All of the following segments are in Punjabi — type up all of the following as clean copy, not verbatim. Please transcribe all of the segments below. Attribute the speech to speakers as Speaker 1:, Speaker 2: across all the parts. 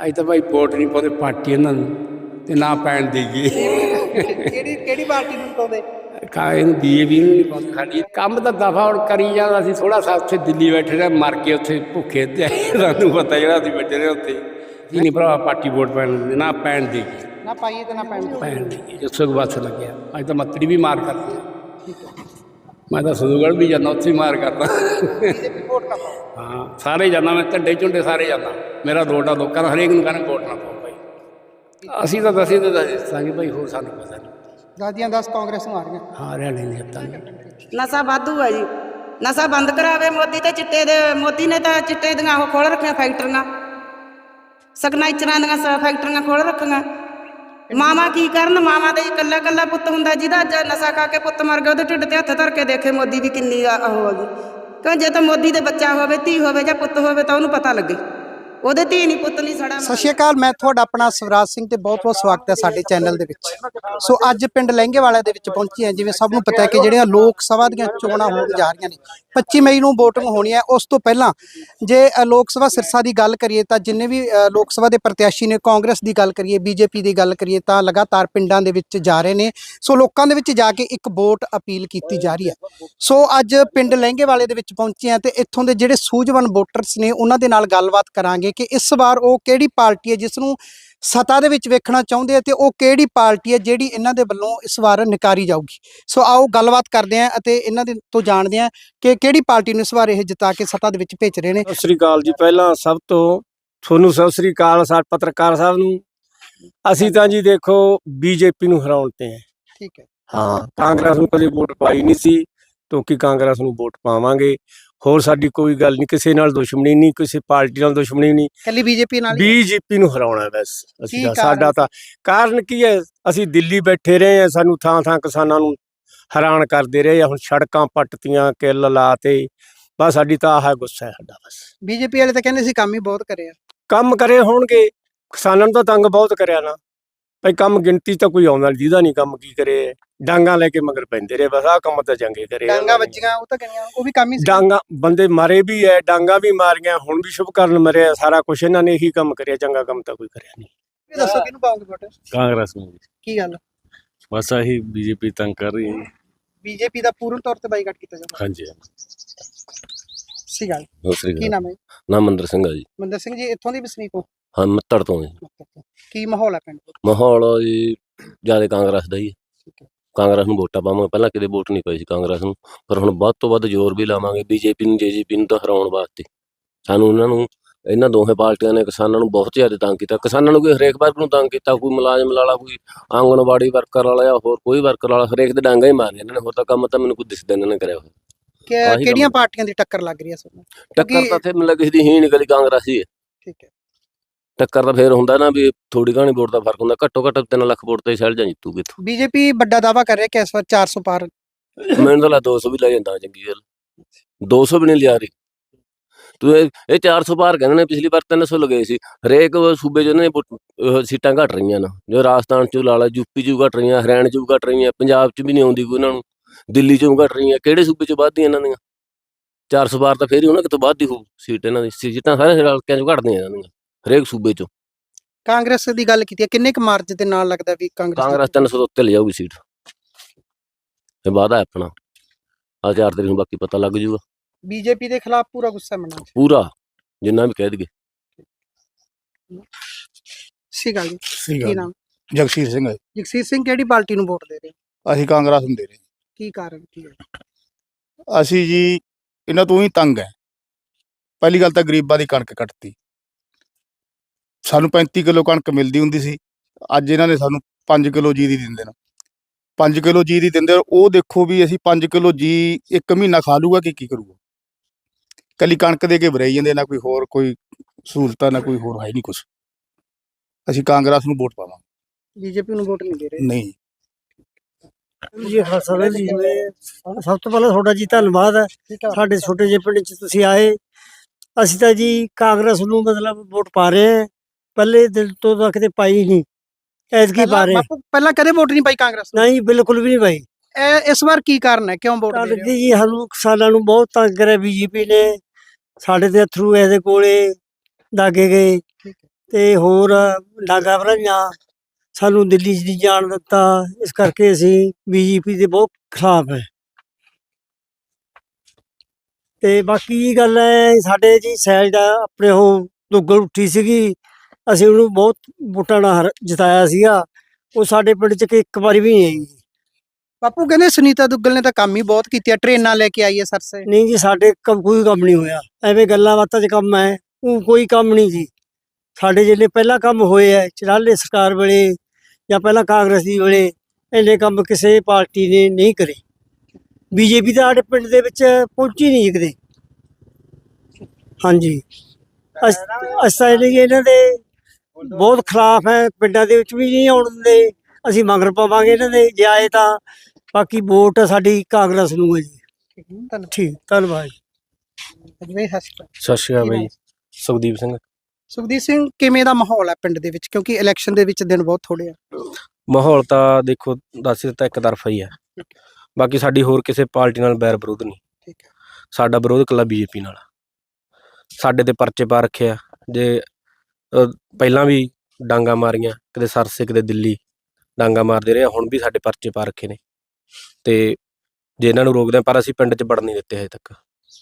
Speaker 1: अज तो भाई वोट नहीं पाते पार्टी इन्होंने ते ना पैन देगी
Speaker 2: ਕਿਹੜੀ ਪਾਰਟੀ ਨੂੰ ਪਾਉਂਦੇ?
Speaker 1: बीजेपी नहीं पाते साड़ी कम तो दफा हम करी जाना असीं थोड़ा सा उत्थे दिल्ली बैठे रहे मर के उत्थे भुखे ते सानू पता जो असीं बैठे रहे उत्थे असीं नहीं भरा पार्टी वोट पैन दिंदे ना पैन देगी
Speaker 2: ਨਾ ਪਾਈਏ ਤੇ ਨਾ ਪੈਣ
Speaker 1: पैन देगी जिसको बस लगे अज तो मत्तड़ी भी मार करती मैं तो सदूगढ़ भी जाना उत्थे मार करता
Speaker 2: ਵੋਟ ਨਾ ਪਾਓ।
Speaker 1: हाँ सारे जाना मैं झंडे झुंडे सारे जाना मेरा रोड आ लोगों हरेक नूं कहना वोट ना पाओ भाई असीं तो दसी तो दसांगे भाई होर सानू पता नहीं
Speaker 2: ਦਾਦੀਆਂ 10 ਕਾਂਗਰਸ ਨੂੰ ਆ ਰਹੀਆਂ।
Speaker 1: हारिया नहीं जिता
Speaker 3: ਨਸ਼ਾ ਵਾਧੂ ਹੈ ਜੀ। ਨਸ਼ਾ ਬੰਦ ਕਰਾਵੇ ਮੋਦੀ ਤੇ ਚਿੱਟੇ ਦੇ ਮੋਦੀ ਨੇ ਤਾਂ ਚਿੱਟੇ ਦੀਆਂ ਉਹ ਖੋਲ੍ਹ ਰੱਖੀਆਂ ਫੈਕਟਰੀਆਂ ਸਿਗਨੇਚਰਾਂ ਦੀਆਂ ਫੈਕਟਰੀਆਂ ਖੋਲ੍ਹ ਰੱਖੀਆਂ। ਮਾਵਾਂ ਕੀ ਕਰਨ? ਮਾਵਾਂ ਦੇ ਇਕੱਲਾ ਇਕੱਲਾ ਪੁੱਤ ਹੁੰਦਾ ਜਿਹਦਾ ਅੱਜ ਨਸ਼ਾ ਖਾ ਕੇ ਪੁੱਤ ਮਰ ਗਿਆ ਉਹਦੇ ਢਿੱਡ ਤੇ ਹੱਥ ਧਰ ਕੇ ਦੇਖੇ ਮੋਦੀ ਦੀ ਕਿੰਨੀ ਉਹ ਹੈਗੀ। ਕਿਉਂ ਜੇ ਤਾਂ ਮੋਦੀ ਦੇ ਬੱਚਾ ਹੋਵੇ ਧੀ ਹੋਵੇ ਜਾਂ ਪੁੱਤ ਹੋਵੇ ਤਾਂ ਉਹਨੂੰ ਪਤਾ ਲੱਗੇ ਉਹਦੇ ਧੀ ਨਹੀਂ ਪੁੱਤ ਨਹੀਂ ਸੜਾ।
Speaker 2: ਸਤਿ ਸ਼੍ਰੀ ਅਕਾਲ, ਮੈਂ ਤੁਹਾਡਾ ਆਪਣਾ ਸਵਰਾਜ ਸਿੰਘ ਤੇ ਬਹੁਤ-ਬਹੁਤ ਸਵਾਗਤ ਹੈ ਸਾਡੇ ਚੈਨਲ ਦੇ ਵਿੱਚ। ਸੋ ਅੱਜ ਪਿੰਡ ਲਹਿੰਗੇਵਾਲਾ ਦੇ ਵਿੱਚ ਪਹੁੰਚੇ ਹਾਂ। ਜਿਵੇਂ ਸਭ ਨੂੰ ਪਤਾ ਹੈ ਕਿ ਜਿਹੜੀਆਂ ਲੋਕ ਸਭਾ ਦੀਆਂ ਚੋਣਾਂ ਹੋਣ ਜਾ ਰਹੀਆਂ ਨੇ 25 ਮਈ ਨੂੰ VOTING ਹੋਣੀ ਹੈ। ਉਸ ਤੋਂ ਪਹਿਲਾਂ ਜੇ ਲੋਕ ਸਭਾ ਸਿਰਸਾ ਦੀ ਗੱਲ ਕਰੀਏ ਤਾਂ ਜਿੰਨੇ ਵੀ ਲੋਕ ਸਭਾ ਦੇ ਪ੍ਰਤਿਆਸ਼ੀ ਨੇ, ਕਾਂਗਰਸ ਦੀ ਗੱਲ ਕਰੀਏ, ਬੀਜੇਪੀ ਦੀ ਗੱਲ ਕਰੀਏ ਤਾਂ ਲਗਾਤਾਰ ਪਿੰਡਾਂ ਦੇ ਵਿੱਚ ਜਾ ਰਹੇ ਨੇ। ਸੋ ਲੋਕਾਂ ਦੇ ਵਿੱਚ ਜਾ ਕੇ ਇੱਕ ਵੋਟ ਅਪੀਲ ਕੀਤੀ ਜਾ ਰਹੀ ਹੈ। ਸੋ ਅੱਜ ਪਿੰਡ ਲਹਿੰਗੇਵਾਲੇ ਦੇ ਵਿੱਚ ਪਹੁੰਚੇ ਹਾਂ ਤੇ ਇੱਥੋਂ ਦੇ ਜਿਹੜੇ ਸੂਝਵਾਨ ਵੋਟਰਸ ਨੇ ਉਹਨਾਂ ਦੇ ਨਾਲ ਗੱਲਬਾਤ ਕਰਾਂਗੇ ਕਿ ਇਸ ਵਾਰ ਉਹ ਕਿਹੜੀ ਪਾਰਟੀ ਹੈ ਜਿਸ ਨੂੰ ਸੱਤਾ ਦੇ ਵਿੱਚ ਵੇਖਣਾ ਚਾਹੁੰਦੇ ਆ ਤੇ ਉਹ ਕਿਹੜੀ ਪਾਰਟੀ ਹੈ ਜਿਹੜੀ ਇਹਨਾਂ ਦੇ ਵੱਲੋਂ ਇਸ ਵਾਰ ਨਕਾਰੀ ਜਾਊਗੀ। ਸੋ ਆਓ ਗੱਲਬਾਤ ਕਰਦੇ ਹਾਂ ਅਤੇ ਇਹਨਾਂ ਦੇ ਤੋਂ ਜਾਣਦੇ ਹਾਂ ਕਿ ਕਿਹੜੀ ਪਾਰਟੀ ਨੂੰ ਇਸ ਵਾਰ ਇਹ ਜਿਤਾ ਕੇ ਸੱਤਾ ਦੇ ਵਿੱਚ ਭੇਜ ਰਹੇ ਨੇ।
Speaker 4: ਸਤਿ ਸ੍ਰੀ ਅਕਾਲ ਜੀ। ਪਹਿਲਾਂ ਸਭ ਤੋਂ ਤੁਹਾਨੂੰ ਸਤਿ ਸ੍ਰੀ ਅਕਾਲ ਸਾਡੇ ਪੱਤਰਕਾਰ ਸਾਹਿਬ ਨੂੰ। ਅਸੀਂ ਤਾਂ ਜੀ ਦੇਖੋ ਬੀਜੇਪੀ ਨੂੰ ਹਰਾਉਣ ਤੇ ਹੈ।
Speaker 2: ਠੀਕ ਹੈ।
Speaker 4: ਹਾਂ, ਕਾਂਗਰਸ ਨੂੰ ਕਦੇ ਵੋਟ ਪਾਈ ਨਹੀਂ ਸੀ ਕਿਉਂਕਿ ਕਾਂਗਰਸ ਨੂੰ ਵੋਟ ਪਾਵਾਂਗੇ। ਹੋਰ ਸਾਡੀ ਕੋਈ ਗੱਲ ਨਹੀਂ, ਕਿਸੇ ਨਾਲ ਦੁਸ਼ਮਣੀ ਨਹੀਂ, ਕਿਸੇ ਪਾਰਟੀ ਨਾਲ ਦੁਸ਼ਮਣੀ ਨਹੀਂ,
Speaker 2: ਕੱਲੀ ਬੀਜੇਪੀ ਨਾਲ।
Speaker 4: ਬੀਜੇਪੀ ਨੂੰ ਹਰਾਉਣਾ ਬਸ ਅਸੀਂ
Speaker 2: ਕੀ
Speaker 4: ਸਾਡਾ ਤਾਂ ਕਾਰਨ ਕੀ ਹੈ? ਅਸੀਂ ਦਿੱਲੀ ਬੈਠੇ ਰਹੇ ਹਾਂ, ਸਾਨੂੰ ਥਾਂ ਥਾਂ ਕਿਸਾਨਾਂ ਨੂੰ ਹੈਰਾਨ ਕਰਦੇ ਰਹੇ। ਹੁਣ ਸੜਕਾਂ ਪੱਟਤੀਆਂ, ਕਿੱਲ ਲਾਤੇ, ਬਸ ਸਾਡੀ ਤਾਂ ਆਹ ਗੁੱਸਾ ਹੈ ਸਾਡਾ। ਬਸ
Speaker 2: ਬੀਜੇਪੀ ਵਾਲੇ ਤਾਂ ਕਹਿੰਦੇ ਸੀ ਕੰਮ ਹੀ ਬਹੁਤ ਕਰਿਆ।
Speaker 4: ਕੰਮ ਕਰੇ ਹੋਣਗੇ, ਕਿਸਾਨਾਂ ਨੂੰ ਤਾਂ ਤੰਗ ਬਹੁਤ ਕਰਿਆ ਨਾ ਭਾਈ। ਕੰਮ ਗਿਣਤੀ ਤਾਂ ਕੋਈ ਆਉਂਦਾ ਜਿਹਦਾ ਨਹੀਂ ਕੰਮ ਕੀ ਕਰੇ। ਡਾਂਗਾ ਲੈ ਕੇ ਮਗਰ ਪੈਂਦੇ ਰਹੇ, ਬਸ ਆਹ ਕੰਮ ਤਾਂ ਚੰਗੇ ਕਰੇ।
Speaker 2: ਡਾਂਗਾ ਵੱਜੀਆਂ ਉਹ ਤਾਂ ਕਹਿੰਦੀਆਂ ਉਹ ਵੀ ਕੰਮ ਹੀ ਸੀ।
Speaker 4: ਡਾਂਗਾ ਬੰਦੇ ਮਾਰੇ ਵੀ ਹੈ, ਡਾਂਗਾ ਵੀ ਮਾਰੀਆਂ, ਹੁਣ ਵੀ ਸ਼ੁਭਕਰਨ ਮਰਿਆ। ਸਾਰਾ ਕੁਛ ਇਹਨਾਂ ਨੇ ਇਹੀ ਕੰਮ ਕਰਿਆ, ਚੰਗਾ ਕੰਮ ਤਾਂ ਕੋਈ ਕਰਿਆ ਨਹੀਂ।
Speaker 2: ਇਹ ਦੱਸੋ ਕਿਹਨੂੰ ਪਾਉਂਗੇ ਵੋਟ?
Speaker 5: ਕਾਂਗਰਸ ਨੂੰ।
Speaker 2: ਕੀ ਗੱਲ?
Speaker 5: ਬਸ ਆਹੀ ਬੀਜੇਪੀ ਤੰਗ ਕਰ ਰਹੀ ਹੈ।
Speaker 2: ਬੀਜੇਪੀ ਦਾ ਪੂਰਨ ਤੌਰ ਤੇ ਬਾਈਕਾਟ ਕੀਤਾ ਜਾਂਦਾ।
Speaker 5: ਹਾਂਜੀ
Speaker 2: ਸਹੀ ਗੱਲ।
Speaker 5: ਦੂਸਰੀ
Speaker 2: ਕੀ ਨਾਮ ਹੈ?
Speaker 5: ਨਾਮ ਮੰਦਰ ਸਿੰਘ ਆ ਜੀ।
Speaker 2: ਮੰਦਰ ਸਿੰਘ ਜੀ ਇੱਥੋਂ ਦੀ ਵਸਨੀਕ ਹੋ?
Speaker 5: ਹਾਂ, ਮੱਤੜ ਤੋਂ ਜੀ।
Speaker 2: ਕੀ ਮਾਹੌਲ ਹੈ ਪਿੰਡ ਦਾ?
Speaker 5: ਮਾਹੌਲ ਜੀ ਜਿਆਦਾ ਕਾਂਗਰਸ ਦਾ ਹੀ ਹੈ।
Speaker 2: ਠੀਕ ਹੈ।
Speaker 5: ਕਾਂਗਰਸ ਨੂੰ ਵੋਟਾਂ ਪਾਵਾਂਗੇ, ਪਹਿਲਾਂ ਕਿਤੇ ਵੋਟ ਨਹੀਂ ਪਾਈ ਸੀ ਕਾਂਗਰਸ ਨੂੰ, ਪਰ ਹੁਣ ਵੱਧ ਤੋਂ ਵੱਧ ਜ਼ੋਰ ਵੀ ਲਾਵਾਂਗੇ ਬੀਜੇਪੀ ਨੂੰ, ਜੇਜੇਪੀ ਨੂੰ ਤਾਂ ਹਰਾਉਣ ਵਾਸਤੇ। ਸਾਨੂੰ ਇਹਨਾਂ ਦੋਹੇ ਪਾਰਟੀਆਂ ਨੇ ਕਿਸਾਨਾਂ ਨੂੰ ਬਹੁਤ ਜ਼ਿਆਦਾ ਤੰਗ ਕੀਤਾ। ਕਿਸਾਨਾਂ ਨੂੰ ਕੋਈ ਹਰੇਕ ਵਰਗ ਨੂੰ ਤੰਗ ਕੀਤਾ, ਕੋਈ ਮੁਲਾਜ਼ਮ ਵਾਲਾ, ਕੋਈ ਆਂਗਣਵਾੜੀ ਵਰਕਰ ਵਾਲਾ ਜਾਂ ਹੋਰ ਕੋਈ ਵਰਕਰ ਵਾਲਾ, ਹਰੇਕ ਦੇ ਡਾਂਗਾ ਹੀ ਮਾਰਿਆ ਇਹਨਾਂ ਨੇ। ਹੋਰ ਤਾਂ ਕੰਮ ਤਾਂ ਮੈਨੂੰ ਕੋਈ ਦਿਸਦਾ ਇਹਨਾਂ ਨੇ ਕਰਿਆ ਹੋਇਆ।
Speaker 2: ਕਿਹੜੀਆਂ ਪਾਰਟੀਆਂ ਦੀ ਟੱਕਰ ਲੱਗ ਰਹੀ ਹੈ ਤੁਹਾਨੂੰ?
Speaker 5: ਟੱਕਰ ਤਾਂ ਇੱਥੇ ਮੈਨੂੰ ਕਿਸੇ ਦੀ ਹੀ ਨਿਕਲੀ, ਕਾਂਗਰਸ ਹੀ ਹੈ।
Speaker 2: ਠੀਕ ਹੈ।
Speaker 5: ਟੱਕਰ ਤਾਂ ਫੇਰ ਹੁੰਦਾ ਨਾ ਵੀ ਥੋੜੀ ਘਾਣੀ ਵੋਟ ਦਾ ਫਰਕ ਹੁੰਦਾ। ਘੱਟੋ ਘੱਟ 3 ਲੱਖ ਵੋਟ ਤੇ ਸ਼ੈਲ ਜਾਂ ਜਿੱਤੂਗੀ ਇੱਥੋਂ।
Speaker 2: ਬੀਜੇਪੀ ਵੱਡਾ ਦਾਅਵਾ ਕਰ ਰਿਹਾ ਕਿ ਇਸ ਵਾਰ 400 ਪਾਰ।
Speaker 5: ਮੈਨੂੰ ਤਾਂ 200 ਵੀ ਲੈ ਜਾਂਦਾ ਚੰਗੀ ਗੱਲ। 200 ਵੀ ਨਹੀਂ ਲਿਆ ਰਹੀ ਤੂੰ। ਇਹ 400 ਪਾਰ ਕਹਿੰਦੇ ਨੇ, ਪਿਛਲੀ ਵਾਰ 300 ਲਗਾਏ ਸੀ। ਹਰੇਕ ਸੂਬੇ 'ਚ ਉਹਨਾਂ ਨੇ ਸੀਟਾਂ ਘੱਟ ਰਹੀਆਂ ਨੇ। ਜੋ ਰਾਜਸਥਾਨ 'ਚੋਂ ਲਾ ਲਾ, ਯੂਪੀ 'ਚ ਘੱਟ ਰਹੀਆਂ, ਹਰਿਆਣਾ 'ਚ ਘੱਟ ਰਹੀਆਂ, ਪੰਜਾਬ 'ਚ ਵੀ ਨਹੀਂ ਆਉਂਦੀ ਕੋਈ ਉਹਨਾਂ ਨੂੰ, ਦਿੱਲੀ 'ਚੋਂ ਘੱਟ ਰਹੀਆਂ। ਕਿਹੜੇ ਸੂਬੇ 'ਚ ਵੱਧਦੀਆਂ ਇਹਨਾਂ ਦੀਆਂ? 400 ਪਾਰ ਤਾਂ ਫੇਰ ਹੀ ਉਹਨਾਂ ਕਿਤੋਂ ਵੱਧਦੀ ਹੋਊ ਸੀਟ। ਇਹਨਾਂ ਦੀ ਸੀਟਾਂ ਸਾਰੇ ਹਲਕਿਆਂ 'ਚ ਘੱਟਦੀਆਂ ਇਹਨਾਂ ਦੀਆਂ ਹਰੇਕ ਸੂਬੇ 'ਚੋਂ।
Speaker 2: ਕਾਂਗਰਸ ਦੀ ਗੱਲ ਕੀਤੀ ਹੈ, ਕਿੰਨੇ ਕੁ ਮਾਰਜ ਦੇ ਨਾਲ ਲੱਗਦਾ ਵੀ
Speaker 5: ਕਾਂਗਰਸ 300 ਤੋਂ ਉੱਤੇ ਲੈ ਜਾਊਗੀ ਸੀਟ। ਇਹ ਵਾਅਦਾ ਹੈ ਆਪਣਾ। ਆਹ 4 ਤਰੀਕ ਨੂੰ ਬਾਕੀ ਪਤਾ ਲੱਗ ਜੂਗਾ।
Speaker 2: ਬੀਜੇਪੀ ਦੇ ਖਿਲਾਫ ਪੂਰਾ ਗੁੱਸਾ ਮਨਾ
Speaker 5: ਪੂਰਾ, ਜਿੰਨਾ ਵੀ ਕਹਿ ਦਈਏ।
Speaker 2: ਸਹੀ ਗੱਲ ਜੀ। ਕੀ ਨਾਮ?
Speaker 6: ਜਗਸੀਰ ਸਿੰਘ ਹੈ।
Speaker 2: ਜਗਸੀਰ ਸਿੰਘ ਕਿਹੜੀ ਪਾਰਟੀ ਨੂੰ ਵੋਟ ਦੇ ਰਹੇ?
Speaker 6: ਅਸੀਂ ਕਾਂਗਰਸ ਨੂੰ ਦੇ ਰਹੇ।
Speaker 2: ਕੀ ਕਾਰਨ ਕੀ ਹੈ?
Speaker 6: ਅਸੀਂ ਜੀ ਇਹਨਾਂ ਤੋਂ ਹੀ ਤੰਗ ਹੈ। ਪਹਿਲੀ ਗੱਲ ਤਾਂ ਗਰੀਬਾਂ ਦੀ ਕਣਕ ਕੱਟਤੀ। ਸਾਨੂੰ 35 ਕਿਲੋ ਕਣਕ ਮਿਲਦੀ ਹੁੰਦੀ ਸੀ, ਅੱਜ ਇਹਨਾਂ ਨੇ ਸਾਨੂੰ 5 ਕਿਲੋ ਜੀ ਦੀ ਦਿੰਦੇ ਨੇ। 5 ਕਿਲੋ ਜੀ ਦੀ ਦਿੰਦੇ, ਉਹ ਦੇਖੋ ਵੀ ਅਸੀਂ 5 ਕਿਲੋ ਜੀ ਇੱਕ ਮਹੀਨਾ ਖਾ ਲੂਗਾ ਕਿ ਕੀ ਕਰੂਗਾ। ਕੱਲੀ ਕਣਕ ਦੇ ਕੇ ਵਰਾਈ ਜਾਂਦੇ, ਨਾ ਕੋਈ ਹੋਰ ਕੋਈ ਸਹੂਲਤਾਂ, ਨਾ ਕੋਈ ਹੋਰ ਹੈ ਨਹੀਂ ਕੁਛ। ਅਸੀਂ ਕਾਂਗਰਸ ਨੂੰ ਵੋਟ ਪਾਵਾਂਗੇ,
Speaker 2: ਬੀਜੇਪੀ ਨੂੰ ਵੋਟ ਨਹੀਂ ਦੇ ਰਹੇ।
Speaker 6: ਨਹੀਂ
Speaker 7: ਜੀ ਖਾਲਸਾ ਜੀ। ਸਭ ਤੋਂ ਪਹਿਲਾਂ ਤੁਹਾਡਾ ਜੀ ਧੰਨਵਾਦ ਹੈ, ਸਾਡੇ ਛੋਟੇ ਜਿਹੇ ਪਿੰਡ 'ਚ ਤੁਸੀਂ ਆਏ। ਅਸੀਂ ਤਾਂ ਜੀ ਕਾਂਗਰਸ ਨੂੰ ਮਤਲਬ ਵੋਟ ਪਾ ਰਹੇ ਹਾਂ, ਪਹਿਲੇ ਦਿਨ ਤੋਂ ਤਾਂ ਕਿਤੇ ਪਾਈ ਨਹੀਂ, ਐਤਕੀ ਪਾ ਰਹੇ।
Speaker 2: ਬਾਪੂ ਪਹਿਲਾਂ ਕਦੇ ਵੋਟ ਨਹੀਂ ਪਾਈ ਕਾਂਗਰਸ ਨੂੰ?
Speaker 7: ਨਹੀਂ, ਬਿਲਕੁਲ ਵੀ ਨਹੀਂ ਪਾਈ।
Speaker 2: ਇਸ ਵਾਰ ਕੀ ਕਾਰਨ ਹੈ, ਕਿਉਂ ਵੋਟ ਦੇ ਰਹੇ ਹੋ?
Speaker 7: ਜੀ ਸਾਨੂੰ ਕਿਸਾਨਾਂ ਨੂੰ ਬਹੁਤ ਤੰਗ ਕਰਿਆ ਬੀਜੇਪੀ ਨੇ। ਸਾਡੇ ਦੇ ਥਰੂ ਇਹਦੇ ਕੋਲੇ ਦਾਗੇ ਗਏ, ਤੇ ਹੋਰ ਡਾਂਗਾ ਭਰਾਈਆਂ, ਸਾਨੂੰ ਦਿੱਲੀ 'ਚ ਨਹੀਂ ਜਾਣ ਦਿੱਤਾ। ਇਸ ਕਰਕੇ ਅਸੀਂ ਬੀਜੇਪੀ ਦੇ ਬਹੁਤ ਖਿਲਾਫ ਹੈ। ਤੇ ਬਾਕੀ ਇਹ ਗੱਲ ਹੈ, ਸਾਡੇ ਜੀ ਸੈਲ ਦਾ ਆਪਣੇ ਉਹ ਦੁੱਗਲ ਉੱਠੀ ਸੀਗੀ, ਅਸੀਂ ਉਹਨੂੰ ਬਹੁਤ ਵੋਟਾਂ ਨਾਲ ਜਿਤਾਇਆ ਸੀਗਾ। ਉਹ ਸਾਡੇ ਪਿੰਡ 'ਚ ਕਿ ਇੱਕ ਵਾਰੀ ਵੀ ਨਹੀਂ ਆਈ।
Speaker 2: ਬਾਪੂ ਕਹਿੰਦੇ ਸੁਨੀਤਾ ਦੁੱਗਲ ਨੇ ਤਾਂ ਕੰਮ ਹੀ ਬਹੁਤ ਕੀਤੀਆਂ, ਟ੍ਰੇਨਾਂ ਲੈ ਕੇ ਆਈ ਹੈ ਸਰਸੇ।
Speaker 7: ਨਹੀਂ ਜੀ, ਸਾਡੇ ਕੋਈ ਕੰਮ ਨਹੀਂ ਹੋਇਆ। ਐਵੇਂ ਗੱਲਾਂ ਬਾਤਾਂ 'ਚ ਕੰਮ ਹੈ, ਉਹ ਕੋਈ ਕੰਮ ਨਹੀਂ ਜੀ। ਸਾਡੇ ਜਿਹੜੇ ਪਹਿਲਾਂ ਕੰਮ ਹੋਏ ਹੈ ਚਰਾਲੇ ਸਰਕਾਰ ਵੇਲੇ ਜਾਂ ਪਹਿਲਾਂ ਕਾਂਗਰਸ ਦੀ ਵੇਲੇ, ਇੰਨੇ ਕੰਮ ਕਿਸੇ ਪਾਰਟੀ ਨੇ ਨਹੀਂ ਕਰੇ। ਬੀਜੇਪੀ ਤਾਂ ਸਾਡੇ ਪਿੰਡ ਦੇ ਵਿੱਚ ਪਹੁੰਚੀ ਨਹੀਂ ਕਦੇ। ਹਾਂਜੀ, ਅਸਾਂ ਇਹਨਾਂ ਦੇ ਬਹੁਤ ਖਿਲਾਫ ਹੈ, ਪਿੰਡਾਂ ਦੇ ਵਿੱਚ ਵੀ ਨਹੀਂ ਆਉਣ ਦਿੰਦੇ। ਅਸੀਂ ਮਗਰ ਪਾਵਾਂਗੇ ਇਹਨਾਂ ਦੇ ਜੇ ਆਏ ਤਾਂ। ਬਾਕੀ ਵੋਟ ਸਾਡੀ ਕਾਂਗਰਸ ਨੂੰ ਹੈ ਜੀ। ਠੀਕ, ਧੰਨਵਾਦ।
Speaker 2: ਅਜਮੇਰ ਹਸਪਤਾਲ।
Speaker 8: ਸਤਿ ਸ਼੍ਰੀ ਅਕਾਲ ਬਾਈ, ਸੁਖਦੀਪ ਸਿੰਘ।
Speaker 2: ਸੁਖਦੀਪ ਸਿੰਘ, ਕਿਵੇਂ ਦਾ ਮਾਹੌਲ ਹੈ ਪਿੰਡ ਦੇ ਵਿੱਚ, ਕਿਉਂਕਿ ਇਲੈਕਸ਼ਨ ਦੇ ਵਿੱਚ ਦਿਨ ਬਹੁਤ ਥੋੜੇ ਆ?
Speaker 8: ਮਾਹੌਲ ਤਾਂ ਦੇਖੋ ਦੱਸ ਦਿੱਤਾ ਇੱਕ ਤਰਫਾ ਹੀ ਹੈ। ਬਾਕੀ ਸਾਡੀ ਹੋਰ ਕਿਸੇ ਪਾਰਟੀ ਨਾਲ ਬੈਰ ਵਿਰੋਧ ਨਹੀਂ।
Speaker 2: ਠੀਕ ਹੈ।
Speaker 8: ਸਾਡਾ ਵਿਰੋਧ ਇਕੱਲਾ ਬੀਜੇਪੀ ਨਾਲ। ਸਾਡੇ ਤੇ ਪਰਚੇ ਪਾ ਰੱਖੇ ਆ। ਜੇ ਪਹਿਲਾਂ ਵੀ ਡਾਂਗਾ ਮਾਰੀਆਂ, ਕਦੇ ਸਰਸੇ ਕਦੇ ਦਿੱਲੀ ਡਾਂਗਾ ਮਾਰਦੇ ਰਹੇ, ਹੁਣ ਵੀ ਸਾਡੇ ਪਰਚੇ ਪਾ ਰੱਖੇ ਨੇ। ਤੇ ਜੇ ਇਹਨਾਂ ਨੂੰ ਰੋਕਦੇ ਆ, ਪਰ ਅਸੀਂ ਪਿੰਡ 'ਚ ਵੜਨ ਨਹੀਂ ਦਿੱਤੇ ਹਜੇ ਤੱਕ।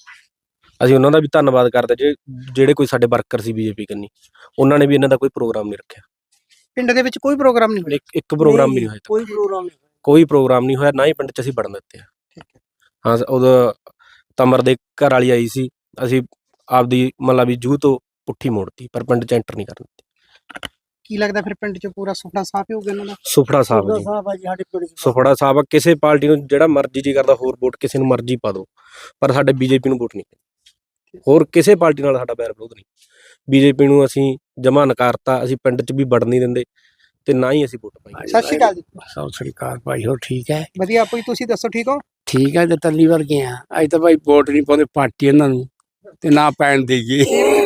Speaker 8: ਅਸੀਂ ਉਹਨਾਂ ਦਾ ਵੀ ਧੰਨਵਾਦ ਕਰਦੇ ਜਿਹੜੇ ਕੋਈ ਸਾਡੇ ਵਰਕਰ ਸੀ ਬੀਜੇਪੀ ਕੰਨੀ, ਉਹਨਾਂ ਨੇ ਵੀ ਇਹਨਾਂ ਦਾ ਕੋਈ ਪ੍ਰੋਗਰਾਮ ਨਹੀਂ ਰੱਖਿਆ।
Speaker 2: ਪਿੰਡ ਦੇ ਵਿੱਚ ਕੋਈ ਪ੍ਰੋਗਰਾਮ ਨਹੀਂ ਹੋਇਆ?
Speaker 8: ਇੱਕ ਪ੍ਰੋਗਰਾਮ ਵੀ ਨਹੀਂ ਹੋਇਆ,
Speaker 7: ਕੋਈ ਪ੍ਰੋਗਰਾਮ ਨਹੀਂ।
Speaker 8: ਕੋਈ ਪ੍ਰੋਗਰਾਮ ਨਹੀਂ ਹੋਇਆ, ਨਾ ਹੀ ਪਿੰਡ 'ਚ ਅਸੀਂ ਵੜਨ ਦਿੱਤੇ ਆ। ਹਾਂ, ਉਦੋਂ ਤਮਰ ਦੇ ਘਰ ਵਾਲੀ ਆਈ ਸੀ, ਅਸੀਂ ਆਪਦੀ ਮਤਲਬ ਵੀ ਜੂਹ ਤੋਂ ਪੁੱਠੀ ਮੋੜਤੀ, ਪਰ ਪਿੰਡ 'ਚ ਐਂਟਰ ਨਹੀਂ ਕਰਨ ਦਿੱਤੀ।
Speaker 2: ਕੀ ਲੱਗਦਾ ਫਿਰ ਪਿੰਡ 'ਚ ਪੂਰਾ ਸੁਪਨਾ ਸਾਫ਼ ਹੀ ਹੋ ਗਿਆ ਇਹਨਾਂ ਦਾ?
Speaker 8: ਸੁਫੜਾ ਸਾਹਿਬ ਜੀ,
Speaker 7: ਸਾਡੇ ਪਿੰਡ 'ਚ
Speaker 8: ਸੁਫੜਾ ਸਾਹਿਬ ਆ। ਕਿਸੇ ਪਾਰਟੀ ਨੂੰ ਜਿਹੜਾ ਮਰਜ਼ੀ ਜੀ ਕਰਦਾ ਹੋਰ ਵੋਟ ਕਿਸੇ ਨੂੰ ਮਰਜ਼ੀ ਪਾ ਦਿਓ, ਪਰ ਸਾਡੇ ਬੀਜੇਪੀ ਨੂੰ ਵੋਟ ਨਹੀਂ ਪੈਣੀ। ਹੋਰ ਕਿਸੇ ਪਾਰਟੀ ਨਾਲ ਸਾਡਾ ਬੈਰ ਵਿਰੋਧ ਨਹੀਂ। ਬੀਜੇਪੀ ਨੂੰ ਅਸੀਂ ਜਮਾ ਨਕਾਰਤਾ। ਅਸੀਂ ਪਿੰਡ 'ਚ ਵੀ ਵੜਨ ਨਹੀਂ ਦਿੰਦੇ ਤੇ ਨਾ ਹੀ ਅਸੀਂ ਵੋਟ ਪਾਈ।
Speaker 2: ਸਤਿ ਸ਼੍ਰੀ ਅਕਾਲ ਜੀ।
Speaker 1: ਸਤਿ ਸ੍ਰੀ ਅਕਾਲ ਭਾਈ, ਹੋਰ ਠੀਕ ਹੈ?
Speaker 2: ਵਧੀਆ ਭਾਈ, ਤੁਸੀਂ ਦੱਸੋ ਠੀਕ ਹੋ?
Speaker 1: ਠੀਕ ਹੈ, ਤੇ ਤੱਲੀ ਵਰਗੇ ਆ। ਅੱਜ ਤਾਂ ਭਾਈ ਵੋਟ ਨਹੀਂ ਪਾਉਂਦੇ ਪਾਰਟੀ ਇਹਨਾਂ ਨੂੰ, ਤੇ ਨਾ ਪੈਣ ਦੇਈਏ।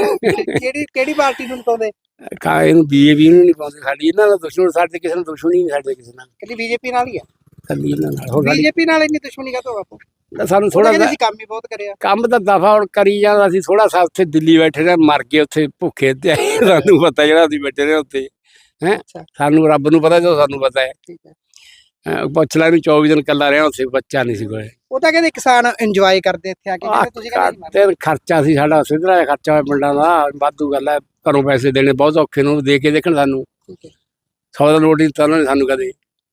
Speaker 2: ਕਿਹੜੀ ਪਾਰਟੀ ਨੂੰ ਪਾਉਂਦੇ?
Speaker 1: ਇਹਨੂੰ ਬੀਜੇਪੀ ਨੂੰ ਨਹੀਂ ਪਾਉਂਦੇ। ਸਾਡੀ ਇਹਨਾਂ ਦਾ ਦੁਸ਼ਮਣ, ਸਾਡੇ ਕਿਸੇ ਨਾਲ ਦੁਸ਼ਮਣੀ ਨਹੀਂ, ਸਾਡੇ ਕਿਸੇ ਨਾਲ
Speaker 2: ਕੱਲੀ ਬੀਜੇਪੀ ਨਾਲ ਹੀ ਆ?
Speaker 1: ਕੱਲੀ ਇਹਨਾਂ ਨਾਲ। ਹੋਰ ਸਾਡੀ
Speaker 2: ਬੀਜੇਪੀ ਨਾਲ ਇੰਨੀ ਦੁਸ਼ਮਣੀ ਕਾਹਤੋਂ ਬਾਪੂ?
Speaker 1: ਸਾਨੂੰ
Speaker 2: ਥੋੜਾ
Speaker 1: ਥੋੜਾ
Speaker 2: ਅਸੀਂ ਕੰਮ ਹੀ ਬਹੁਤ ਕਰਿਆ।
Speaker 1: ਕੰਮ ਤਾਂ ਦਫਾ ਹੁਣ ਕਰੀ ਜਾਂਦਾ। ਅਸੀਂ ਥੋੜਾ ਸਾ ਉੱਥੇ ਦਿੱਲੀ ਬੈਠੇ ਰਹੇ, ਮਰ ਗਏ ਉੱਥੇ ਭੁੱਖੇ ਤੇ ਆਏ। ਸਾਨੂੰ ਪਤਾ ਜਿਹੜਾ ਅਸੀਂ ਬੈਠੇ ਰਹੇ ਉੱਥੇ ਹੈ, ਸਾਨੂੰ ਰੱਬ ਨੂੰ ਪਤਾ ਜੋ ਸਾਨੂੰ ਪਤਾ ਹੈ।
Speaker 2: ਠੀਕ ਹੈ।
Speaker 1: ਪੁੱਛ ਲੈ, ਇਹਨੂੰ 24 ਦਿਨ ਕੱਲਾ ਰਿਹਾ ਉੱਥੇ, ਬੱਚਾ ਨਹੀਂ ਸੀ ਕੋਲੇ।
Speaker 2: ਉਹ ਤਾਂ ਕਹਿੰਦੇ ਕਿਸਾਨ ਇੰਜੋਏ ਕਰਦੇ ਇੱਥੇ ਆ ਕੇ, ਕਹਿੰਦੇ ਤੁਸੀਂ ਕਹਿੰਦੇ
Speaker 1: ਤੇ ਖਰਚਾ ਸੀ ਸਾਡਾ ਸਿੱਧਰਾ ਜਿਹਾ ਖਰਚਾ ਹੋਇਆ ਪਿੰਡਾਂ ਦਾ, ਵਾਧੂ ਗੱਲ ਹੈ। ਘਰੋਂ ਪੈਸੇ ਦੇਣੇ ਬਹੁਤ ਔਖੇ ਨੂੰ, ਦੇ ਕੇ ਦੇਖਣ ਸਾਨੂੰ।
Speaker 2: ਠੀਕ ਹੈ।
Speaker 1: 100 ਦਾ ਨੋਟ ਨਹੀਂ ਦਿੱਤਾ ਉਹਨਾਂ ਨੇ ਸਾਨੂੰ ਕਦੇ।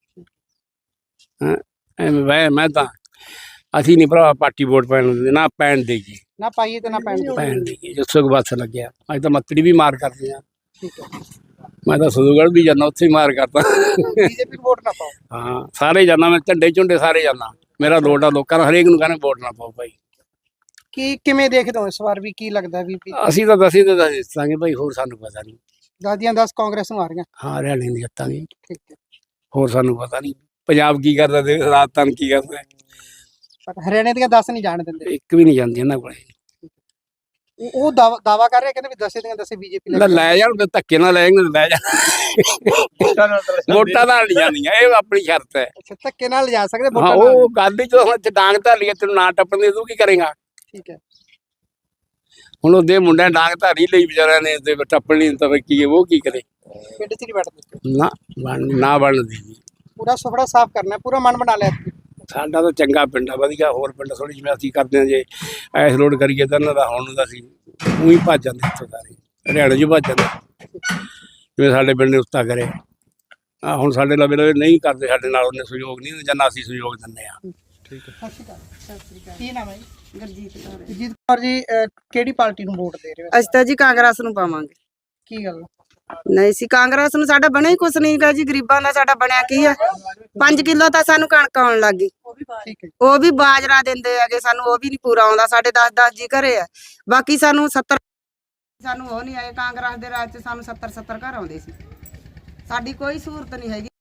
Speaker 1: ਐਵੇਂ ਮੈਂ ਤਾਂ ਅਸੀਂ ਨਹੀਂ ਭਰਾ ਪਾਰਟੀ ਵੋਟ ਪੈਣ ਦਿੰਦੇ, ਨਾ ਪੈਣ ਦੇਈਏ।
Speaker 2: ਨਾ ਪਾਈਏ ਤੇ ਨਾ
Speaker 1: ਪੈਣ ਦੇਈਏ, ਜਿੱਥੋਂ ਕੁ ਬਸ ਲੱਗਿਆ। ਅੱਜ ਤਾਂ ਮੱਤੜੀ ਵੀ ਮਾਰ ਕਰਦੇ ਆ।
Speaker 2: ਠੀਕ ਹੈ।
Speaker 1: ਮੈਂ ਤਾਂ ਸਦੂਗੜ੍ਹ ਵੀ ਜਾਂਦਾ, ਉੱਥੇ ਹੀ ਮਾਰ ਕਰਦਾ।
Speaker 2: ਬੀਜੇਪੀ ਨੂੰ ਵੋਟ ਨਾ ਪਾਓ।
Speaker 1: ਹਾਂ, ਸਾਰੇ ਜਾਂਦਾ ਮੈਂ, ਝੰਡੇ ਝੁੰਡੇ ਸਾਰੇ ਜਾਂਦਾ। ਮੇਰਾ ਲੋਟ ਆ ਲੋਕਾਂ ਨੂੰ, ਹਰੇਕ ਨੂੰ ਕਹਿੰਦੇ ਵੋਟ ਨਾ ਪਾਓ ਭਾਈ।
Speaker 2: ਕਿਵੇਂ ਦੇਖਦੇ ਹੋ ਇਸ ਵਾਰ ਵੀ? ਕੀ ਲੱਗਦਾ ਵੀ
Speaker 1: ਅਸੀਂ ਤਾਂ ਦਸੀਂ ਤੇ ਦੱਸਾਂਗੇ ਭਾਈ, ਹੋਰ ਸਾਨੂੰ ਪਤਾ ਨਹੀਂ।
Speaker 2: ਦਾਦੀਆਂ 10 ਕਾਂਗਰਸ ਨੂੰ ਆ ਰਹੀਆਂ?
Speaker 1: ਹਾਂ, ਹਰਿਆਣੇ ਦੀ ਜਿੱਤਾਂਗੇ।
Speaker 2: ਠੀਕ ਹੈ।
Speaker 1: ਹੋਰ ਸਾਨੂੰ ਪਤਾ ਨਹੀਂ ਪੰਜਾਬ ਕੀ ਕਰਦਾ ਤੇ ਰਾਜਸਥਾਨ ਕੀ ਕਰਦਾ।
Speaker 2: ਪਰ ਹਰਿਆਣੇ ਦੀਆਂ 10 ਨਹੀਂ ਜਾਣ ਦਿੰਦੇ।
Speaker 1: ਇੱਕ ਵੀ ਨਹੀਂ ਜਾਂਦੀ ਇਹਨਾਂ ਕੋਲੇ।
Speaker 2: ਉਹ ਦਾਵਾ ਕਰ ਰਹੇ, ਕਹਿੰਦੇ ਵੀ 10 ਦੀਆਂ 10 ਬੀਜੇਪੀ
Speaker 1: ਲੈ ਜਾਣ, ਤੇ ਧੱਕੇ ਨਾਲ ਲੈ ਜਾਣ, ਲੈ ਜਾਣ। ਵੋਟਾਂ ਨਾਲ ਨਹੀਂ ਜਾਂਦੀਆਂ, ਇਹ ਆਪਣੀ ਸ਼ਰਤ ਹੈ।
Speaker 2: ਅੱਛਾ, ਧੱਕੇ ਨਾਲ ਲਿਜਾ ਸਕਦੇ
Speaker 1: ਹਾਂ,
Speaker 2: ਵੋਟਾਂ ਨਾਲ?
Speaker 1: ਉਹ ਗੱਲ ਹੀ ਜਦੋਂ ਹੁਣ ਡਾਂਗ ਧਾਰੀ ਹੈ, ਤੈਨੂੰ ਨਾ ਟੱਪਣ ਦੇ, ਤੂੰ ਕੀ ਕਰੇਗਾ?
Speaker 2: ਠੀਕ ਹੈ।
Speaker 1: ਹੁਣ ਉਹਦੇ ਮੁੰਡਿਆਂ ਡਾਂਗ ਧਾਰੀ ਲਈ ਵਿਚਾਰਿਆਂ ਨੇ, ਤੇ ਟੱਪਣ ਨਹੀਂ ਤਾਂ ਫਿਰ ਕੀ ਹੈ, ਉਹ ਕੀ ਕਰੇ?
Speaker 2: ਪਿੰਡ 'ਚ ਨਹੀਂ ਵੜਦੇ?
Speaker 1: ਨਾ ਬਣਦੀ ਜੀ।
Speaker 2: ਪੂਰਾ ਸੁਪੜਾ ਸਾਫ਼ ਕਰਨਾ, ਪੂਰਾ ਮਨ ਬਣਾ ਲਿਆ।
Speaker 1: ਸਾਡਾ ਤਾਂ ਚੰਗਾ ਪਿੰਡ ਆ, ਵਧੀਆ। ਹੋਰ ਪਿੰਡ ਥੋੜੀ ਜਿਵੇਂ ਅਸੀਂ ਕਰਦੇ ਹਾਂ, ਜੇ ਐਸ ਲੋਡ ਕਰੀਏ ਤਾਂ ਇਹਨਾਂ ਦਾ ਹੁਣ ਦਾ ਅਸੀਂ ਉਹੀ ਭੱਜ ਜਾਂਦੇ ਇੱਥੋਂ ਸਾਰੇ, ਹਰਿਆਣੇ 'ਚ ਭੱਜ ਜਾਂਦੇ। ਜਿਵੇਂ ਸਾਡੇ ਪਿੰਡ ਨੇ ਉਸਤਾ ਕਰੇ ਆ, ਹੁਣ ਸਾਡੇ ਲਵੇ ਨਹੀਂ ਕਰਦੇ, ਸਾਡੇ ਨਾਲ ਉਹਨੇ ਸਹਿਯੋਗ ਨਹੀਂ ਦਿੰਦੇ, ਜਾਂ ਅਸੀਂ ਸਹਿਯੋਗ ਦਿੰਦੇ ਆ।
Speaker 2: ਠੀਕ ਹੈ। ਸਤਿ ਸ਼੍ਰੀ ਅਕਾਲ। ਕੀ ਨਾਮ ਹੈ ਜੀ?
Speaker 3: ਗੁਰਜੀਤ ਕੌਰ।
Speaker 2: ਗੁਰਜੀਤ ਕੌਰ ਜੀ, ਕਿਹੜੀ ਪਾਰਟੀ ਨੂੰ ਵੋਟ ਦੇ ਰਹੇ ਹੋ?
Speaker 3: ਅਸੀਂ ਤਾਂ ਜੀ ਕਾਂਗਰਸ ਨੂੰ ਪਾਵਾਂਗੇ।
Speaker 2: ਕੀ ਗੱਲ?
Speaker 3: ਨਹੀਂ ਸੀ ਕਾਂਗਰਸ ਨੂੰ, ਸਾਡਾ ਬਣਿਆ ਹੀ ਕੁਛ ਨਹੀਂ ਗਾ ਜੀ। ਗਰੀਬਾਂ ਦਾ ਸਾਡਾ ਬਣਿਆ ਕੀ ਆ? 5 ਕਿਲੋ ਤਾਂ ਸਾਨੂੰ ਕਣਕ ਆਉਣ ਲੱਗ ਗਈ।
Speaker 2: ਠੀਕ ਹੈ।
Speaker 3: ਉਹ ਵੀ ਬਾਜਰਾ ਦਿੰਦੇ ਹੈਗੇ ਸਾਨੂੰ, ਉਹ ਵੀ ਨਹੀਂ ਪੂਰਾ ਆਉਂਦਾ। ਸਾਡੇ 10-10 ਜੀ ਘਰੇ ਆ, ਬਾਕੀ ਸਾਨੂੰ 70 ਸਾਨੂੰ ਉਹ ਨਹੀਂ ਆਏ। ਕਾਂਗਰਸ ਦੇ ਰਾਜ 'ਚ ਸਾਨੂੰ 70 ਘਰ ਆਉਂਦੇ ਸੀ। ਸਾਡੀ ਕੋਈ ਸਹੂਲਤ ਨਹੀਂ ਹੈਗੀ।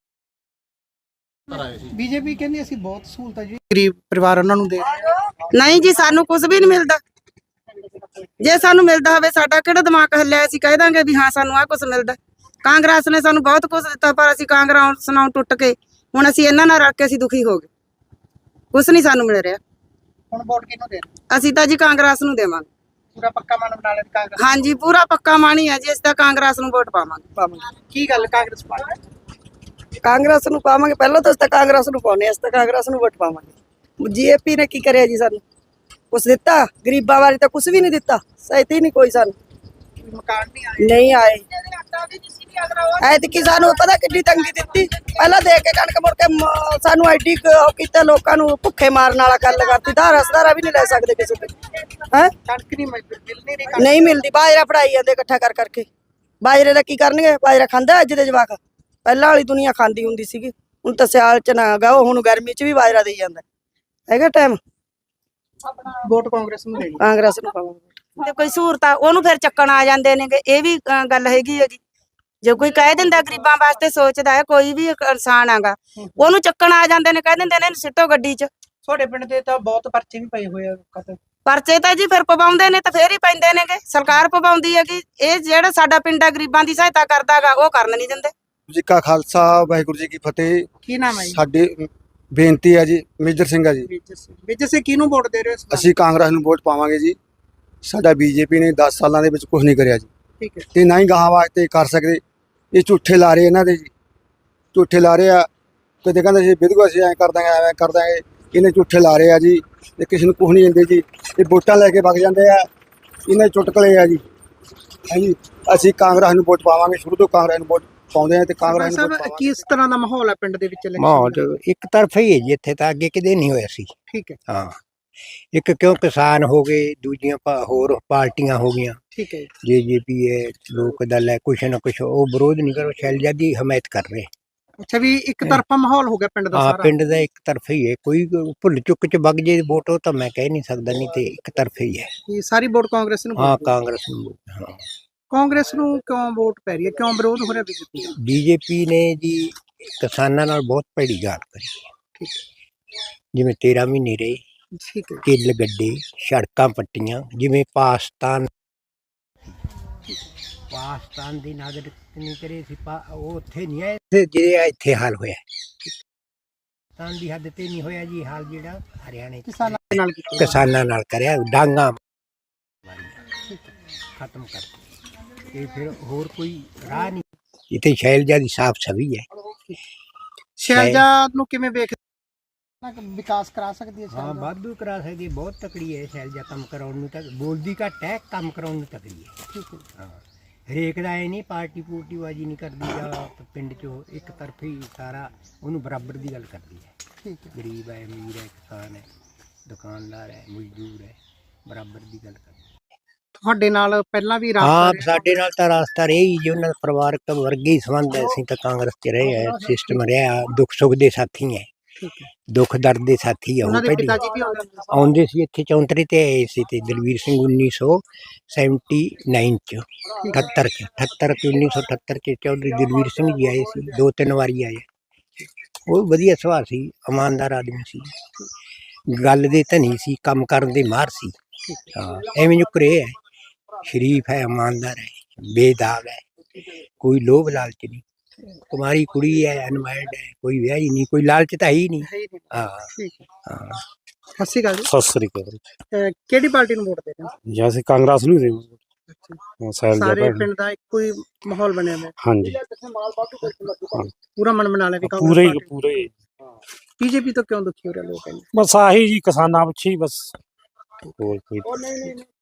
Speaker 2: ਬੀਜੇਪੀ ਕਹਿੰਦੀ ਅਸੀਂ ਬਹੁਤ ਸਹੂਲਤਾਂ ਜੀ ਗਰੀਬ ਪਰਿਵਾਰ ਉਹਨਾਂ ਨੂੰ ਦੇ ਰਹੇ ਹਾਂ।
Speaker 3: ਨਹੀਂ ਜੀ, ਸਾਨੂੰ ਕੁਝ ਵੀ ਨਹੀਂ ਮਿਲਦਾ। ਜੇ ਸਾਨੂੰ ਮਿਲਦਾ ਹੋਵੇ, ਸਾਡਾ ਕਿਹੜਾ ਦਿਮਾਗ ਹੱਲਿਆ, ਅਸੀਂ ਕਹਿ ਦਾਂਗੇ ਵੀ ਹਾਂ ਸਾਨੂੰ ਆਹ ਕੁਝ ਮਿਲਦਾ। ਕਾਂਗਰਸ ਨੇ ਸਾਨੂੰ ਬਹੁਤ ਕੁਝ ਦਿੱਤਾ, ਪਰ ਅਸੀਂ ਕਾਂਗਰਸ ਨਾਲ ਟੁੱਟ ਕੇ ਹੁਣ ਅਸੀਂ ਇਹਨਾਂ ਨਾਲ ਰਲ ਕੇ ਅਸੀਂ ਦੁਖੀ ਹੋ ਗਏ। ਕੁਝ ਨਹੀਂ ਸਾਨੂੰ ਮਿਲ ਰਿਹਾ।
Speaker 2: ਹੁਣ ਵੋਟ ਕਿਹਨੂੰ ਦੇ ਰਹੇ?
Speaker 3: ਅਸੀਂ ਤਾਂ ਜੀ ਕਾਂਗਰਸ ਨੂੰ ਦੇਵਾਂਗੇ।
Speaker 2: ਪੂਰਾ ਪੱਕਾ ਮਨ ਬਣਾ ਲਿਆ ਕਾਂਗਰਸ?
Speaker 3: ਹਾਂਜੀ ਪੂਰਾ ਪੱਕਾ ਮਾਣੀ ਹੈ ਜੀ, ਅਸੀਂ ਤਾਂ ਕਾਂਗਰਸ ਨੂੰ ਵੋਟ ਪਾਵਾਂਗੇ।
Speaker 2: ਕੀ ਗੱਲ ਕਾਂਗਰਸ ਪਾਰਟੀ?
Speaker 9: ਕਾਂਗਰਸ ਨੂੰ ਪਾਵਾਂਗੇ, ਪਹਿਲਾਂ ਤਾਂ ਅਸੀਂ ਤਾਂ ਕਾਂਗਰਸ ਨੂੰ ਪਾਉਨੇ, ਅਸੀਂ ਤਾਂ ਕਾਂਗਰਸ ਨੂੰ ਵੋਟ ਪਾਵਾਂਗੇ। ਜੀਏਪੀ ਨੇ ਕੀ ਕਰਿਆ ਜੀ ਸਾਨੂੰ? ਕੁਛ ਦਿੱਤਾ? ਗਰੀਬਾਂ ਬਾਰੇ ਤਾਂ ਕੁਛ ਵੀ ਨਹੀਂ ਦਿੱਤਾ, ਸਹਾਇਤਾ ਹੀ ਨਹੀਂ ਕੋਈ ਸਾਨੂੰ,
Speaker 2: ਮਕਾਨ ਨਹੀਂ ਆਏ?
Speaker 9: ਨਹੀਂ ਆਏ। ਐਤਕੀ ਸਾਨੂੰ ਪਤਾ ਕਿੰਨੀ ਤੰਗੀ ਦਿੱਤੀ, ਪਹਿਲਾਂ ਦੇ ਕੇ ਕਣਕ ਮੁੜ ਕੇ ਸਾਨੂੰ ਐਡੀ ਉਹ ਕੀਤਾ, ਲੋਕਾਂ ਨੂੰ ਭੁੱਖੇ ਮਾਰਨ ਵਾਲਾ ਗੱਲ ਕਰਤੀ, ਧਾਰਾ ਵੀ ਨਹੀਂ ਲੈ ਸਕਦੇ ਕਿਸੇ ਤੇ। ਹੈ
Speaker 2: ਕਣਕ ਨਹੀਂ ਮਿਲਣੀ ਨਹੀਂ?
Speaker 9: ਨਹੀਂ ਮਿਲਦੀ, ਬਾਜਰਾ ਫੜਾਈ ਜਾਂਦੇ ਇਕੱਠਾ ਕਰਕੇ। ਬਾਜਰੇ ਦਾ ਕੀ ਕਰਨਗੇ? ਬਾਜਰਾ ਖਾਂਦਾ ਅੱਜ ਦੇ ਜਵਾਕ? ਪਹਿਲਾਂ ਵਾਲੀ ਦੁਨੀਆ ਖਾਂਦੀ ਹੁੰਦੀ ਸੀਗੀ, ਹੁਣ ਤਾਂ ਸਿਆਲ ਚ ਨਾ ਗਾ, ਹੁਣ ਗਰਮੀ ਚ ਵੀ ਬਾਜਰਾ ਦੇਈ ਜਾਂਦਾ ਹੈਗਾ ਟਾਈਮ।
Speaker 2: ਵੋਟ ਕਾਂਗਰਸ ਨੂੰ ਦੇਣੀ?
Speaker 9: ਕਾਂਗਰਸ ਨੂੰ ਪਾਵਾਂਗੇ।
Speaker 3: ਤੇ ਕੋਈ ਸਹੂਲਤ ਆ ਉਹਨੂੰ ਫਿਰ ਚੱਕਣ ਆ ਜਾਂਦੇ ਨੇਗੇ, ਇਹ ਵੀ ਗੱਲ ਹੈਗੀ ਹੈਗੀ। ਜੇ ਕੋਈ ਕਹਿ ਦਿੰਦਾ ਗਰੀਬਾਂ ਵਾਸਤੇ ਸੋਚਦਾ ਹੈ, ਕੋਈ ਵੀ ਇਨਸਾਨ ਆਗਾ, ਉਹਨੂੰ ਚੱਕਣ ਆ ਜਾਂਦੇ ਨੇ, ਕਹਿ ਦਿੰਦੇ ਨੇ ਇਹਨੂੰ ਸਿੱਟੋ ਗੱਡੀ 'ਚ।
Speaker 2: ਤੁਹਾਡੇ ਪਿੰਡ ਦੇ ਤਾਂ ਬਹੁਤ ਪਰਚੇ ਵੀ ਪਏ ਹੋਏ ਆ ਲੋਕਾਂ ਤੇ।
Speaker 3: ਪਰਚੇ ਤਾਂ ਜੀ ਫਿਰ ਪਵਾਉਂਦੇ ਨੇ, ਤਾਂ ਫੇਰ ਹੀ ਪੈਂਦੇ ਨੇਗੇ, ਸਰਕਾਰ ਪਵਾਉਂਦੀ ਹੈਗੀ। ਇਹ ਜਿਹੜਾ ਸਾਡਾ ਪਿੰਡ ਆ ਗਰੀਬਾਂ ਦੀ ਸਹਾਇਤਾ ਕਰਦਾਗਾ, ਉਹ ਕਰਨ ਨਹੀਂ ਦਿੰਦੇ।
Speaker 10: ਜੀ ਕਾ ਖਾਲਸਾ, ਵਾਹਿਗੁਰੂ ਜੀ ਕੀ ਫਤਿਹ।
Speaker 2: ਕੀ ਨਾਮ ਹੈ ਜੀ?
Speaker 10: ਸਾਡੀ ਬੇਨਤੀ ਹੈ ਜੀ, ਮੇਜਰ ਸਿੰਘ ਆ ਜੀ।
Speaker 2: ਵਿੱਚ ਸੇ ਕਿਹਨੂੰ ਵੋਟ ਦੇ ਰਹੇ ਹੋ?
Speaker 10: ਅਸੀਂ ਕਾਂਗਰਸ ਨੂੰ ਵੋਟ ਪਾਵਾਂਗੇ ਜੀ। ਸਾਡਾ ਬੀਜੇਪੀ ਨੇ 10 ਸਾਲਾਂ ਦੇ ਵਿੱਚ ਕੁਝ ਨਹੀਂ ਕਰਿਆ ਜੀ,
Speaker 2: ਠੀਕ ਹੈ।
Speaker 10: ਤੇ ਨਾ ਹੀ ਗਾਹਾਂ ਵਾਸਤੇ ਕਰ ਸਕਦੇ। ਇਹ ਝੂਠੇ ਲਾ ਰਹੇ ਇਹਨਾਂ ਦੇ ਜੀ, ਝੂਠੇ ਲਾ ਰਹੇ ਆ। ਕਦੇ ਕਹਿੰਦੇ ਸੀ ਵਿਧਵਾ ਅਸੀਂ ਐਂ ਕਰ ਦਾਂਗੇ, ਐਵੇਂ ਕਰ ਦਾਂਗੇ, ਇਹਨੇ ਝੂਠੇ ਲਾ ਰਹੇ ਆ ਜੀ, ਤੇ ਕਿਸੇ ਨੂੰ ਕੁਝ ਨਹੀਂ ਦਿੰਦੇ ਜੀ। ਇਹ ਵੋਟਾਂ ਲੈ ਕੇ ਵਗ ਜਾਂਦੇ ਆ, ਇਹਨਾਂ ਦੇ ਚੁਟਕਲੇ ਆ ਜੀ। ਹਾਂਜੀ, ਅਸੀਂ ਕਾਂਗਰਸ ਨੂੰ ਵੋਟ ਪਾਵਾਂਗੇ, ਸ਼ੁਰੂ ਤੋਂ ਕਾਂਗਰਸ ਨੂੰ ਵੋਟ ਪਾਉਂਦੇ ਆ ਤੇ ਕਾਂਗਰਸ ਨੂੰ ਵੋਟ ਪਾਵਾਂਗੇ।
Speaker 2: ਕਿਸ ਤਰ੍ਹਾਂ ਦਾ ਮਾਹੌਲ ਹੈ ਪਿੰਡ ਦੇ ਵਿੱਚ election
Speaker 11: ਮਾਹੌਲ
Speaker 2: ਦਾ?
Speaker 11: ਇੱਕ ਤਰਫਾ ਹੀ ਹੈ ਜੀ, ਇੱਥੇ ਤਾਂ ਅੱਗੇ ਕਿਤੇ ਨਹੀਂ ਹੋਇਆ ਸੀ।
Speaker 2: ਠੀਕ ਹੈ,
Speaker 11: ਹਾਂ, ਇੱਕ ਕਿਉਂ ਕਿਸਾਨ ਹੋ ਗਏ, ਦੂਜੀਆਂ ਹੋਰ ਪਾਰਟੀਆਂ ਹੋ ਗਈਆਂ,
Speaker 2: ਠੀਕ ਹੈ।
Speaker 11: ਜੇਜੇਪੀ ਹੈ, ਲੋਕ ਦਲ ਹੈ, ਕੁਛ ਨਾ ਕੁਛ ਉਹ ਵਿਰੋਧ ਨਹੀਂ ਕਰੋ, ਸ਼ੈਲਜਾ ਦੀ ਹਮਾਇਤ ਕਰ ਰਹੇ।
Speaker 2: ਅੱਛਾ, ਵੀ ਇੱਕ ਤਰਫਾ ਮਾਹੌਲ ਹੋ ਗਿਆ ਪਿੰਡ ਦਾ
Speaker 11: ਹਾਂ,
Speaker 2: ਸਾਰਾ?
Speaker 11: ਪਿੰਡ ਦਾ ਇੱਕ ਤਰਫਾ ਹੀ ਹੈ, ਕੋਈ ਭੁੱਲ ਚੁੱਕ ਚ ਵਗ ਜੇ ਵੋਟ ਉਹ ਤਾਂ ਮੈਂ ਕਹਿ ਨਹੀਂ ਸਕਦਾ, ਨਹੀਂ ਤੇ ਇੱਕ ਤਰਫਾ ਹੀ ਹੈ।
Speaker 2: ਇਹ ਸਾਰੀ ਵੋਟ ਕਾਂਗਰਸ ਨੂੰ?
Speaker 11: ਹਾਂ, ਕਾਂਗਰਸ ਨੂੰ। ਹਾਂ,
Speaker 2: ਕਾਂਗਰਸ ਨੂੰ ਕਿਉਂ ਵੋਟ ਪੈ ਰਹੀ ਹੈ, ਕਿਉਂ ਵਿਰੋਧ ਹੋ ਰਿਹਾ ਬੀਜੇਪੀ ਦਾ?
Speaker 11: ਬੀਜੇਪੀ ਨੇ ਜੀ ਕਿਸਾਨਾਂ ਨਾਲ ਬਹੁਤ ਭੈੜੀ ਗੱਲ ਕਰੀ ਹੈ। ਜਿਵੇਂ 13 ਮਹੀਨੇ ਰਹੇ,
Speaker 2: ਠੀਕ ਹੈ,
Speaker 11: ਕਿੱਲ ਗੱਡੇ, ਸੜਕਾਂ ਪੱਟੀਆਂ, ਜਿਵੇਂ ਪਾਕਿਸਤਾਨ ਦੀ ਨਾਗਰਿਕ ਨਹੀਂ ਕਰੇ ਸੀ, ਉਹ ਉੱਥੇ ਨਹੀਂ ਆਏ ਜਿਹੜੇ ਇੱਥੇ ਹਾਲ ਹੋਇਆ। ਪਾਕਿਸਤਾਨ ਦੀ ਹੱਦ ਤੇ ਨਹੀਂ ਹੋਇਆ ਜੀ ਹਾਲ ਜਿਹੜਾ ਹਰਿਆਣੇ ਚ
Speaker 2: ਕਿਸਾਨਾਂ ਦੇ ਨਾਲ ਕੀਤਾ?
Speaker 11: ਕਿਸਾਨਾਂ ਨਾਲ ਕਰਿਆ, ਡਾਂਗਾ ਖਤਮ ਕਰ ਤੇ ਫਿਰ ਹੋਰ ਕੋਈ ਰਾਹ ਨਹੀਂ। ਇੱਥੇ ਸ਼ੈਲਜਾ ਦੀ ਸਾਫ ਛਵੀ ਹੈ।
Speaker 2: ਸ਼ੈਲਜਾ ਨੂੰ ਕਿਵੇਂ ਵੇਖਦੇ? ਵਿਕਾਸ ਕਰਾ ਸਕਦੀ ਹੈ
Speaker 11: ਹਾਂ,
Speaker 2: ਸ਼ੈਲਜਾ?
Speaker 11: ਵਾਧੂ ਕਰਾ ਸਕਦੀ ਹੈ, ਬਹੁਤ ਤਕੜੀ ਹੈ ਸ਼ੈਲਜਾ, ਕੰਮ ਕਰਾਉਣ ਨੂੰ ਤਾਂ ਬੋਲਦੀ ਘੱਟ ਹੈ, ਕੰਮ ਕਰਾਉਣ ਨੂੰ ਤਕੜੀ ਹੈ। ਹਾਂ, ਹਰੇਕ ਦਾ ਇਹ ਨਹੀਂ ਪਾਰਟੀ ਪੂਰਟੀ ਬਾਜੀ ਨਹੀਂ ਕਰਦੀ, ਜਾਂ ਪਿੰਡ 'ਚੋਂ ਇੱਕ ਤਰਫੀ ਸਾਰਾ ਉਹਨੂੰ ਬਰਾਬਰ ਦੀ ਗੱਲ ਕਰਦੀ ਹੈ।
Speaker 2: ਠੀਕ ਹੈ।
Speaker 11: ਗਰੀਬ ਹੈ, ਅਮੀਰ ਹੈ, ਕਿਸਾਨ ਹੈ, ਦੁਕਾਨਦਾਰ ਹੈ, ਮਜ਼ਦੂਰ ਹੈ, ਬਰਾਬਰ ਦੀ ਗੱਲ ਕਰਦੀ ਹੈ।
Speaker 2: ਤੁਹਾਡੇ ਨਾਲ ਪਹਿਲਾਂ ਵੀ
Speaker 11: ਹਾਂ,
Speaker 2: ਰਾਬਤਾ ਰਿਹਾ?
Speaker 11: ਸਾਡੇ ਨਾਲ ਤਾਂ ਰਾਸਤਾ ਰਿਹਾ ਹੀ ਜੀ, ਉਹਨਾਂ ਦਾ ਪਰਿਵਾਰਕ ਵਰਗੇ ਹੀ ਸੰਬੰਧ ਹੈ। ਅਸੀਂ ਤਾਂ ਕਾਂਗਰਸ 'ਚ ਰਹੇ ਆ, ਸਿਸਟਮ ਰਿਹਾ, ਦੁੱਖ ਸੁੱਖ ਦੇ ਸਾਥੀ ਹੈ,
Speaker 2: ਠੀਕ ਹੈ।
Speaker 11: ਦੁੱਖ ਦਰਦ ਦੇ ਸਾਥੀ ਆ। ਉਹ
Speaker 2: ਉਹਨਾਂ ਦੇ
Speaker 11: ਪਹਿਲੀ
Speaker 2: ਪਿਤਾ ਜੀ ਵੀ ਆਉਂਦੇ ਹੁੰਦੇ ਸੀ?
Speaker 11: ਆਉਂਦੇ ਸੀ ਇੱਥੇ 34 ਤੇ ਆਏ ਸੀ, ਤੇ ਦਲਵੀਰ ਸਿੰਘ 1979 ਚ 78 ਚ 1978 ਚ ਚੌਧਰੀ ਦਲਵੀਰ ਸਿੰਘ ਜੀ ਆਏ ਸੀ, 2-3 ਵਾਰੀ ਆਏ। ਉਹ ਵਧੀਆ ਸੁਭਾਅ ਸੀ, ਇਮਾਨਦਾਰ ਆਦਮੀ ਸੀ, ਗੱਲ ਦੇ ਧਨੀ ਸੀ, ਕੰਮ ਕਰਨ ਦੇ ਮਾਹਰ ਸੀ। ਹਾਂ, ਐਵੇਂ ਨੁਕਰੇ ਹੈ, ਸ਼ਰੀਫ ਹੈ, ਇਮਾਨਦਾਰ ਹੈ, ਬੇਦਾਗ ਹੈ, ਕੋਈ ਲੋਭ ਲਾਲਚ ਨਹੀਂ। ਕੁਮਾਰੀ ਕੁੜੀ ਹੈ, ਅਨਮੈਰਿਡ ਹੈ, ਕੋਈ ਵਿਆਹੀ ਨਹੀਂ, ਕੋਈ ਲਾਲਚ ਤਾਂ ਹੀ ਨਹੀਂ।
Speaker 2: ਹੈ ਹੀ ਨਹੀਂ।
Speaker 11: ਹਾਂ
Speaker 2: ਠੀਕ ਹੈ।
Speaker 11: ਹਾਂ।
Speaker 2: ਸਤਿ ਸ਼੍ਰੀ ਅਕਾਲ ਜੀ।
Speaker 12: ਸਤਿ ਸ੍ਰੀ ਅਕਾਲ
Speaker 2: ਕਿਹੜੀ ਪਾਰਟੀ ਨੂੰ ਵੋਟ ਦੇ ਰਹੇ ਹੋ?
Speaker 12: ਜੀ। ਅਸੀਂ ਕਾਂਗਰਸ ਨੂੰ ਦੇਵਾਂਗੇ।
Speaker 2: ਸਾਰੇ ਪਿੰਡ ਦਾ ਇੱਕੋ ਹੀ ਮਾਹੌਲ ਬਣਿਆ ਹੋਇਆ?
Speaker 12: ਹਾਂਜੀ,
Speaker 2: ਪੂਰਾ ਮਨ ਬਣਾ ਲਿਆ ਵੀ
Speaker 12: ਪੂਰੇ ਹੀ ਪੂਰੇ ਹੀ।
Speaker 2: ਬੀਜੇਪੀ ਤੋਂ ਕਿਉਂ ਦੁਖੀ ਹੋ ਰਹੇ ਲੋਕ?
Speaker 12: ਬਸ ਆਹੀ ਜੀ, ਕਿਸਾਨਾਂ ਪਿੱਛੇ ਹੀ ਬਸ, ਹੋਰ ਕੋਈ